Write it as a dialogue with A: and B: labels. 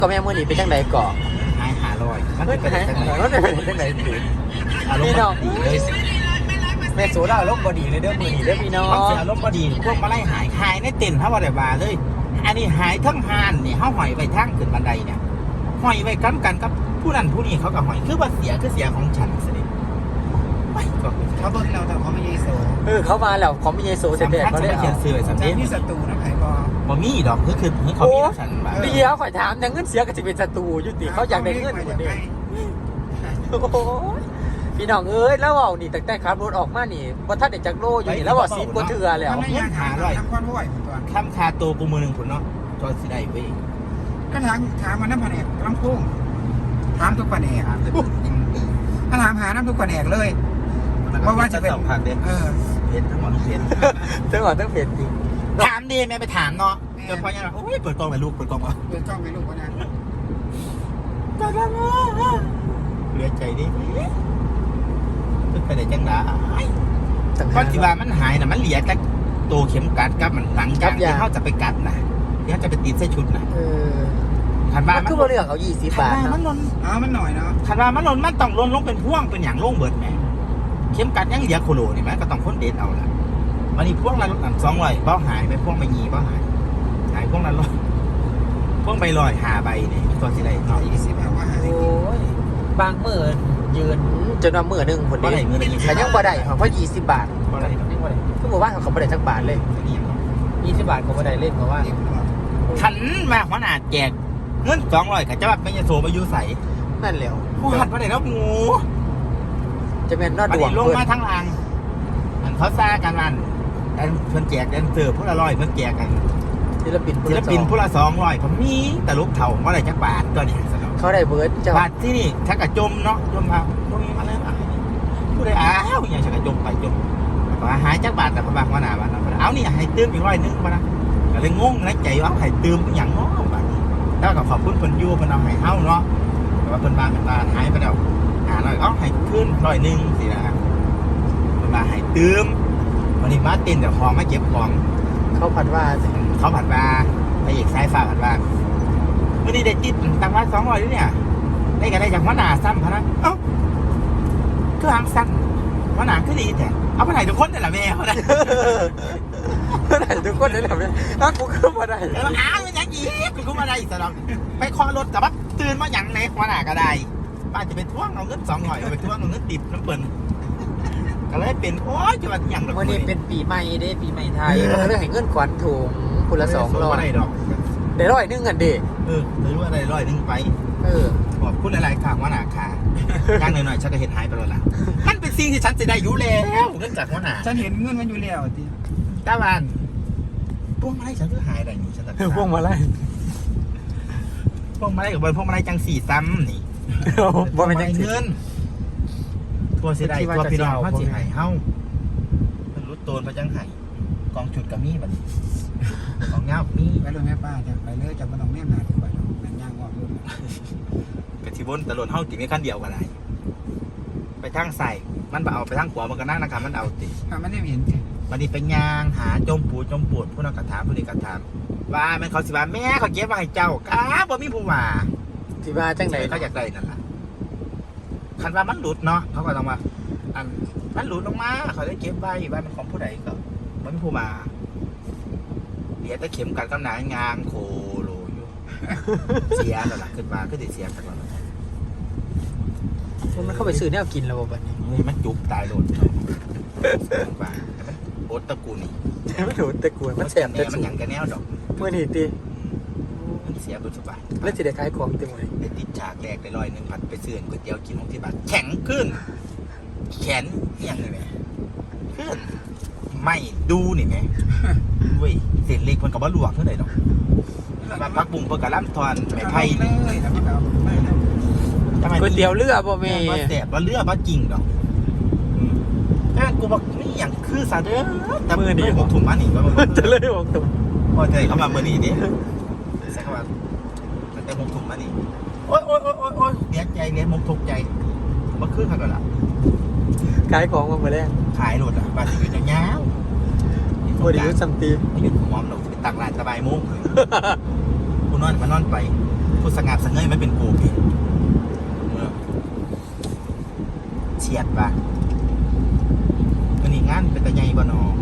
A: ก็แม่มื้อนี้เป็นจังไดก่อ
B: หาย500มันเป็นจังได๋
A: มันเป็นจังไดสิพี่น้องแม่โสดาลมบ่ดีเลยเด้อมื้อนี้เด้อพี่น้อง
B: เสียลมบ่ดีพวกมาไล่หายในเต็นท์เฮาบ่ได้ว่าเลยอันนี้หายทั้งหานนี่เฮาห้อยไว้ทางขึ้นบันไดเนี่ยห้อยไว้กันกับผู้นั้นผู้นี้เขาก็ห้อยคือว่าเสียของฉันสิไปก็เขาเบิ่งแล้วแต่เขาไม่ยีโซ
A: เขามาแล้วเขามีเยโซเสร็จแล้วเขาเลยเอา
B: เสื้อสำเร็จ
C: ที่ศัตรูนะไผ่บ่
B: มีดอกคือเขามีฉันแบบ
A: เดี๋ยวข่อยถามเงินเสียก็จะเป็นศัตรูอยู่ติเขาอยากได้เงินคนเดียวพี่น้องเอ้ยแล้วเว้านี่ตั้งแต่ขับรถออกมานี่บ่ทันได้จักโลอยู่นี่แล้วว่า10กว่าเทื่อแล้ว
C: ไม่อยากหาเลยทำความบ่อยตัว
B: ข้ามคาตัวกูมือหนึ่งผลเนาะจอยสิได้เว้ย
C: ก็ถามมาน้ำแผนกลำพุ่งถามทุกแผนกถ้าถามหาน้ำทุกแผนกเลยเพราะว่าจะเป็น
B: เพชรทั้งหมดเพชร
A: ทั้งหมดทั้งเพจจริง
B: ถามดีแม่ไปถามเนาะเดี๋ยวพอยังโอ้ยเปิดกล้องไปลูกเปิดกล้องมา
C: เปิดจ้องไปลูกก็ได้
B: เหลือใจดิตึกไปได้จังหวะก้อนที่ว่ามันหายน่ะมันเหลือแต่ตัวเข็มกัดกับมันหลังจากที่เขาจะไปกัดนะที่เขาจะไปติดเส้นชุดนะขันว่า
A: มันคือบ่เรื่องเอา20 บาท
B: มันหล่น
C: มันหน่อยเนาะ
B: ขันว่ามันหล่นมันต้องหล่นลงเป็นพ่วงเป็นอย่างโล่งเบิดแม่เข็มกัดยังเหลือโคโลนี่ไหมก็ต้องค้นเด็ดเอาละวันนี้พ่วงละ200เบ้าหายไปพ่วงไปยีเบ้าหายพ่วงละ100พ่วงไป100 5 ใบเนี่ยตัวสิได้
C: 120เอาว่าหาได้
A: โอ้ยบางมื้อยืนจนว่ามื้อนึงพุ่นนี่แต่ยังบ่ได้เพราะ20 บาท
B: บ่ได้
A: ยังบ่ได้คือบ่ว่าเขาบ่ได้สักบาทเลย20 บาทก็บ่ได้เล่นเพราะว่า
B: ขันมาหัวหน้าแจกเงิน200ก็จะว่าเป็นยาโสมาอยู่ใส่
A: นั่นแหละ
B: ผู้หัดมาได้แล้วงู
A: จะเป็นนอดดวง
B: ลงมาทั้งรางมันเขาซ่ากันวันเพิ่นแจกแดนเซอร์ผู้ละ100เพิ่นแจกกัน
A: ศิลปิน
B: ผู้ละ200ผมมีแต่ลูกเถ่าว่าได้จักบาทก็เนี่ย
A: เขาได้เบิร์ด
B: บาทที่นี่ชักกระจมเนาะจมมาบ่มีมาเลยผู้ใดอ้าวอย่างชักกระจมไปจมว่าหายจักบาทแต่พระบางว่าหน้าบ้านเอานี่ให้ตื้มอีก100นึงมานะก็เลยงงในใจว่าให้ตื้มอย่างเนาะบาทแล้วก็ขอบคุณเพิ่นอยู่เพิ่นเอาให้เฮาเนาะแต่ว่าเพิ่นบางกันตาหายไปแล้ว500เอาให้ขึ้น100นึงสินะเพิ่นมาให้ตื้มวันนี้มาตินเดี๋ยวของมาเก็บของ
A: เขาผัดว่า
B: ไปอีกสายฟ้าผัดว่าวันนี้ได้ติดตังค์ว่า200ด้วยเนี่ยได้กันได้จากหัวหน้าซ้ำพนักเอ้าคือหางสั้นหัวหน้าคือดีแต่เอาไปไหนทุกคนเลยล่ะแม่เขาได้
A: ไหนทุกคนเลยล่ะแม่ถ้ากูขึ้นมาได้
B: อ้าวมันยังอีกกูมาได้สลองไปคอรถกับว่าตื่นมาอย่างไหนหัวหน้าก็ได้ป้าจะไปท่วงเอาเงิน200ไปท่วงเอาเงินติดน้ำเปิ่นก็เลยเป็นโอ้ยจะมาอย่าง
A: วันนี้เป็นปีใหม่เด้ปีใหม่ไทยก็เลยให้เงินขวัญถุงคนละ200
B: ได้ดอก
A: ได้100นึงกันดิ
B: ไม่รู้อะไร100นึงไปบอกพูดอะไรข่าวว่าหนาขาย่างหน่อยๆฉันก็เห็นหายไปแล้วล่ะมันเป็นสิ่งที่ฉันจะได้อยู่แล้วเงินจากหัวหน้า
C: ฉันเห็นเงินมันอยู่แล้วที
B: ตาวันพวกมาไล่ฉันก็หายอะไรนี่ฉันตัด
A: พวกมาไล่
B: กับบอลพวกมาไล่จัง4ซ้ำนี่
A: บอลเป็นจัง
B: เงินตัวเสียดายตัวพี่น้องเขาสิหายเฮ้าเป็นรุดโตนพระจังไห้กองจุดกับมีแบบกองเงามี
C: ไปเลยแม่ป้าจะไปเลยจะมาต้องแม่มาถูกไปนั่นย่างว่ารุ่น
B: กระชิบนตะลนเฮ้าติดไม่ขั้นเดียวกันไหนไปทางใส่มันเอาไปทางขวามันก็นั่งนะครับมันเอาติ
C: มันได้เห็น
B: วันนี้ไปยางหาจมปูดผู้นักกระถามผู้นี้กระถามว่ามันเขาสิว่าแม่เขาเก็บมาให้เจ้าก้าบ่มีผู้ว่า
A: สิว่าจังไหน
B: เขาอยากได้นั่นแหละคันว่ามันหลุดเนาะเขาก็ต้องมามันหลุดลงมาเขาได้เก็บไว้ว่ามันของผู้ใดก็มันผู้มาเดี๋ยวจะเข็มกันกำหนางางโคโลอยู่เสียแล้วล่ะขึ้นมาก็จะเสียกันแล้ว
A: มันเข้าไปซื้อเนี่ยกินแล้วบ่เนี่ย
B: มันจุกตายโดนว่าโอ๊ตตะกูนี่
A: มันโดนตะกูมันแสบแต่
B: มันหยังกันแนวดอก
A: เมื่อนี่ตี
B: มันเสียบุญสบาย
A: แล้วจะได้ขายของเต็มเลย
B: ไปติดฉากแรกได้100ผัดไปซื้อก๋วยเตี๋ยวกินของที่บ้านแข็งขึ้นแขนยังไงแม่ขึ้นไม่ดูนี่แม่เว้ยเศษเล็กมันกับว่าลวกเท่าไหร่ดอกมาพักบุ้งเพื่อกระล่ำทอนไม่ไพ่
A: ก๋วยเตี๋ยวเรือบ่แม่
B: ว่าแสบว่าเรือว่าจริงดอกแต่กูบอกนี่อย่างคือซาเด้อแต่มือดีบอกถุงมันนี่ว่ามัน
A: จะเลยบอกถุง
B: พอใจเขามามือนี่ดิใช่ครับแต่มงถุงมันนี่โอ๊ยเลี้ยงใจเลี้ยงมงทุกใจมันคือขนาดละ
A: ขายของมาเมื่อแรก
B: ขายรถอ่ะบาทอยู่อย่างเงี้ย
A: บริยุทธ์สัมตี
B: หยุดหอมเราไปตักร้านสบายมุ้งกูนอนมานอนไปผู้สงัดสงเงยไม่เป็นกูพี่เฉียดปะวันนี้งานเป็นตะไงบ่นอ